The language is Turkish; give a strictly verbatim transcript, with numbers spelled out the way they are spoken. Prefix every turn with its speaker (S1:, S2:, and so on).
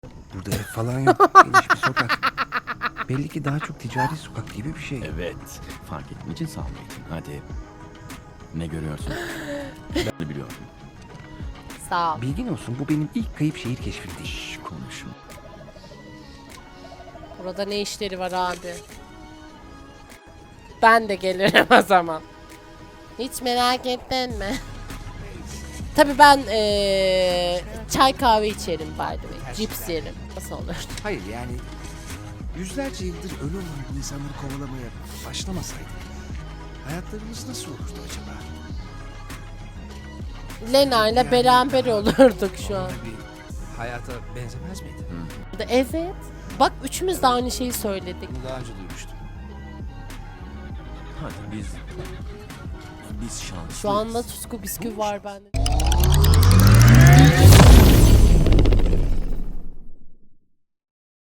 S1: Burada ev falan yok. Geniş bir sokak. Belli ki daha çok ticari sokak gibi bir şey.
S2: Evet. Fark ettiğin için sağ ol Metin. Hadi. Ne görüyorsun? Ben de biliyorum.
S3: Sağ ol.
S1: Bilgin olsun, bu benim ilk kayıp şehir keşfim değil.
S2: Şş, konuşma.
S3: Burada ne işleri var abi? Ben de gelirim o zaman. Hiç merak ettin mi? Tabii ben ee, çay kahve içerim by the way. Cips yerim. Nasıl olur?
S1: Hayır yani yüzlerce yıldır ölü olan bu insanları kovalamaya başlamasaydık hayatlarımız nasıl olurdu acaba?
S3: Lena ile beraber olurduk şu an.
S1: Normal bir hayata benzemez miydi?
S3: Evet. Bak üçümüz de aynı şeyi söyledik.
S1: Bunu daha önce duymuştum.
S2: Hadi biz... Biz şanslıyız.
S3: Şu anda tutku bisküvi var bende.